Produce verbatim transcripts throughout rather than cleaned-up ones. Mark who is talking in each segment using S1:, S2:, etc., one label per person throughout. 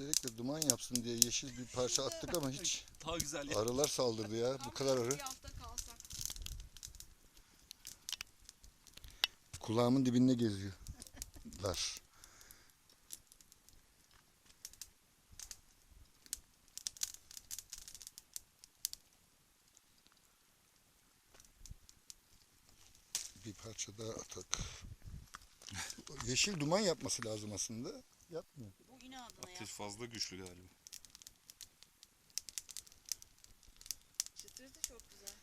S1: Özellikle duman yapsın diye yeşil bir parça attık ama hiç
S2: Daha güzel ya.
S1: arılar saldırdı ya. Bu kadar arı.
S3: Bir hafta kalsak.
S1: Kulağımın dibinde geziyorlar. Bir parça daha atak. Yeşil duman yapması lazım aslında. Yapmıyor.
S3: Bu inadına
S2: Ateş
S3: ya.
S2: fazla güçlü galiba.
S3: Çıtırtı çok güzel.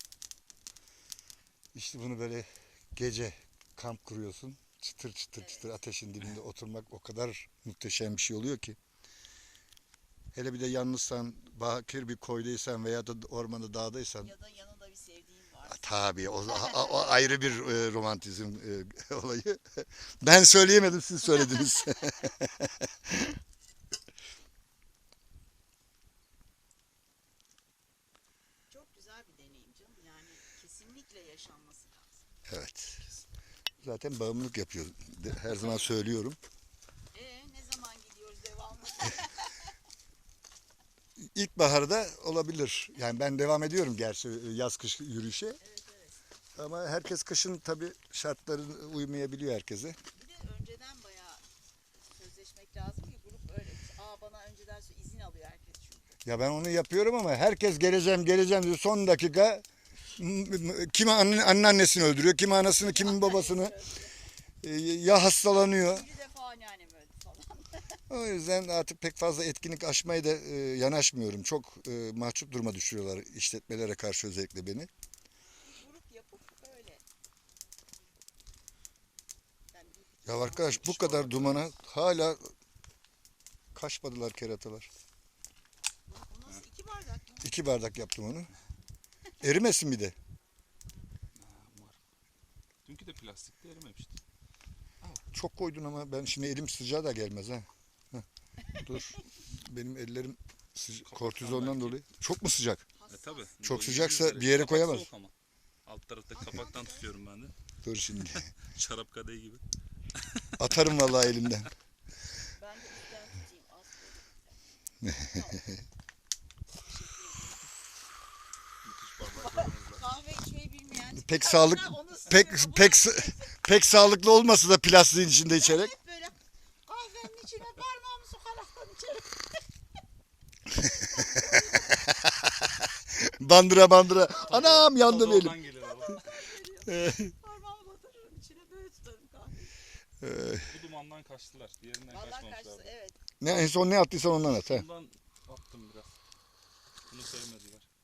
S1: İşte bunu böyle gece kamp kuruyorsun. Çıtır çıtır
S3: Evet.
S1: çıtır ateşin dibinde oturmak o kadar muhteşem bir şey oluyor ki. Hele bir de yalnızsan, bakir bir koydaysan veya da ormanda dağdaysan,
S3: Ya da yanında bir sevdiğin var.
S1: tabii o, o- o ayrı bir e, romantizm e, olayı. Ben söyleyemedim, siz söylediniz.
S3: Çok güzel bir deneyim canım. Yani kesinlikle yaşanması lazım.
S1: Evet. Zaten bağımlılık yapıyor. De- Her zaman söylüyorum.
S3: Ee ne zaman gidiyoruz devamlı?
S1: İlkbaharda olabilir. Yani ben devam ediyorum gerçi yaz kış yürüyüşe.
S3: Evet evet.
S1: Ama herkes kışın tabii şartları uymayabiliyor herkese.
S3: Bir de önceden bayağı sözleşmek lazım ki grup öyle. Aa bana önceden izin alıyor herkes çünkü.
S1: Ya ben onu yapıyorum ama herkes geleceğim geleceğim diyor. Son dakika m- m- kimi anne, anneannesini öldürüyor, kimi anasını, kimin babasını. E, ya hastalanıyor.
S3: Bir defa anneannem öldü falan.
S1: O yüzden artık pek fazla etkinlik açmaya da e, yanaşmıyorum. Çok e, mahcup duruma düşürüyorlar işletmelere karşı, özellikle beni.
S3: Bir grup yapıp öyle. Yani bir-
S1: Ya arkadaş, bu kadar dumana hala kaçmadılar keratalar.
S3: Bu nasıl iki bardak mı?
S1: İki bardak yaptım onu. Erimesin bir de.
S2: Ha, umarım. Dünkü de plastikte erimemişti.
S1: Çok koydun ama ben şimdi elim sıcağı da gelmez ha. Heh. Dur. Benim ellerim sıca-
S2: Kapatsan
S1: kortizondan
S2: belki.
S1: dolayı. Çok mu sıcak?
S2: E
S3: Hassas.
S2: tabi.
S1: Çok sıcaksa bir yere koyamaz.
S2: Soğuk ama. Alt tarafta kapaktan tutuyorum ben de.
S1: Dur şimdi.
S2: Şarap kadehi gibi.
S1: Atarım vallahi elimden.
S3: Ben de üstten tutayım. Az koydum.
S2: Müthiş bardaklarımız var.
S3: Kahve içmeyi bilmeyen.
S1: Pek sağlık
S3: Onu
S1: pek
S3: sıkıyorum.
S1: pek s- pek sağlıklı olmasa da plastiğin içinde içerek.
S3: Hep böyle kahvenin içine parmağımı sokaraktan içerim.
S1: Bandıra bandıra. Anam yandım
S2: Tadı
S1: elim.
S2: oradan geliyor valla.
S3: Parmağımı batırırım içine böyle tutarım kahveyi.
S1: Ee,
S2: Bu dumandan kaçtılar. Diğerinden
S3: Vallahi kaçtı
S2: kaçmamışlardı.
S3: evet.
S1: ne en son ne attıysan ondan at ha.
S2: Bundan attım biraz. Bunu sevmediler.